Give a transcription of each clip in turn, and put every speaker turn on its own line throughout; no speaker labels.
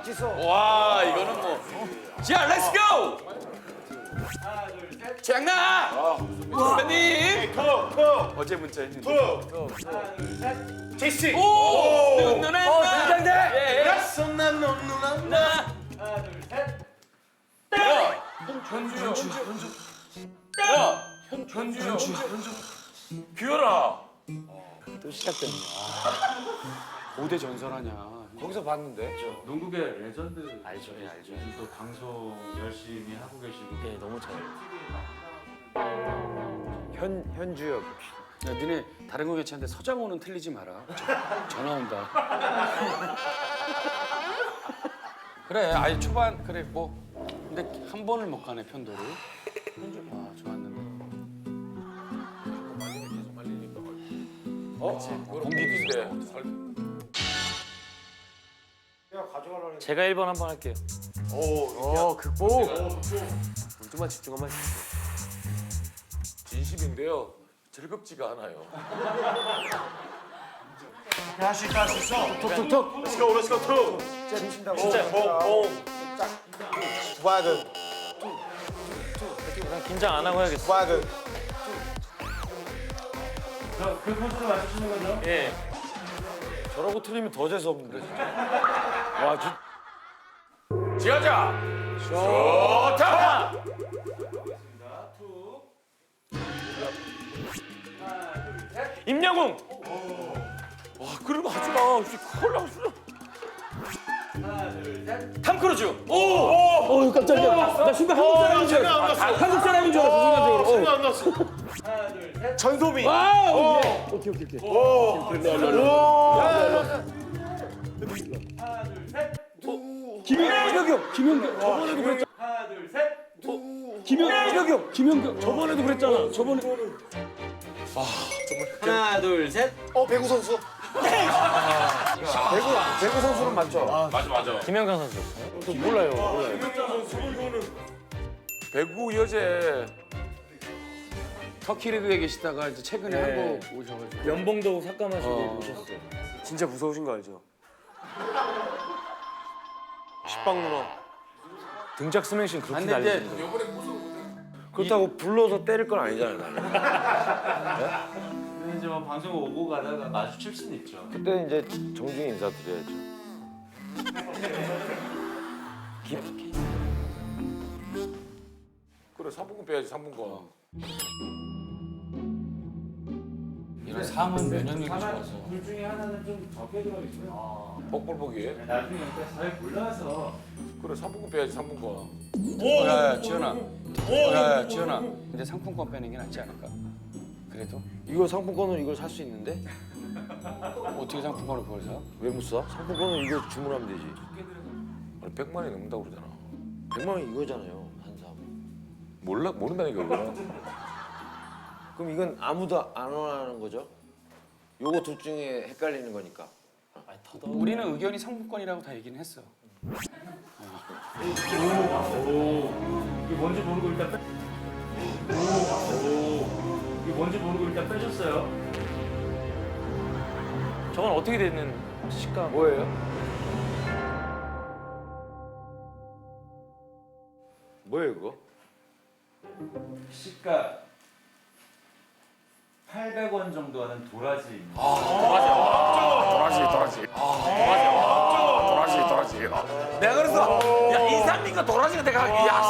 박지성.
와 이거는 뭐. 자, 렛츠 고.
하나, 둘, 셋.
최양나. 선배님.
톡.
어제 문자 했는데.
하나, 둘, 셋. 제시.
오. 누나.
긴장돼.
예.
난 누나.
나.
하나, 둘, 셋.
야. 현주. 야. 현주. 규현아.
또 시작됐네. 고대 전설 아니야. 거기서 봤는데.
농구계 레전드
알죠, 예, 알죠.
또 방송 열심히 하고 계시고
네, 너무 잘. 현주엽. 야, 니네 다른 거 괜찮은데 서장호는 틀리지 마라. 전화 온다. 그래, 아니 초반 그래 뭐. 근데 한 번을 못 가네 편도를. 아, 좋았는데.
공기도 있대.
제가 1번 한번 할게요.
극복.
좀만 집중 한번
진심인데요. 즐겁지가 않아요.
할수 있어.
톡톡톡.
Let's go, let's go, 톡.
진짜.
봉. 와근,
긴장 안 하고 해야겠어.
와근.
그 포즈로 맞추시는 거죠? 예.
저러고 틀리면 더 재수 없는데 진짜. 와,
지하자. 좋다.
임영웅.
와, 그런 거 하지 마. 큰일 나.
하나, 둘, 셋.
탐 크루즈. 오.
깜짝이야. 나 순간 한국 사람인 줄 알았어. 한국 사람인 줄 알았어 순간적으로.
생각 안 났어. 하나, 둘, 셋.
전소미. 오케이.
하나, 둘, 셋.
김연경. 저번에도 그랬잖아.
하나, 둘, 셋.
김연경. 저번에도 그랬잖아. 저번에.
하나, 둘, 셋.
배구 선수. 배구 선수는 맞죠?
맞아.
김영강 선수.
몰라요.
배구 여제.
터키 리그에 계시다가 이제 최근에 한국 오셔가지고.
연봉도 삭감하시고 오셨어요.
진짜 무서우신 거 알죠? 식빵 누나.
등짝 스매싱 그렇게
근데 이제
그렇다고 불러서 때릴 건 아니잖아요.
근데 이제 뭐 방송 오고 가다가 마주칠 수는 있죠.
그때 이제 정중히 인사드려야죠.
그래 3분권 빼야지 3분권.
이런 상은 면역력이 좋아서.
둘 중에 하나는 좀 적게 들어 있고요.
복불복이에.
나중에 잘 골라서
그래 3분권 빼야지 3분권.
야, 지현아. 야, 지현아. 이제 상품권 빼는 게 낫지 않을까? 그래도
이거 상품권은 이걸 살 수 있는데
어떻게 상품권을 그걸 사?
왜 못 사? 상품권은 이거 주문하면 되지.
아니 100만 원이 넘는다고 그러잖아.
100만 원 이거잖아요. 한 사.
모른다니까 이거는.
그럼 이건 아무도 안 원하는 거죠? 요거 둘 중에 헷갈리는 거니까.
우리는 의견이 상품권이라고 다 얘기는 했어.
이게 뭔지 모르고 일단 빼. 이게 뭔지 모르고 일단 빼줬어요. 저건 어떻게 되는 식감?
뭐예요? 뭐예요 그거?
시가 800원 정도 하는 도라지.
도라지. 내가 그래서 야 이상민과 도라지가 내가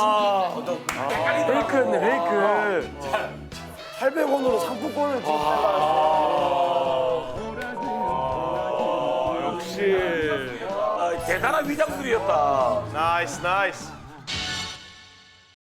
페이크였네 페이크. 800원으로 상품권을 지금
역시 대단한 위장술이었다.
나이스, 나이스.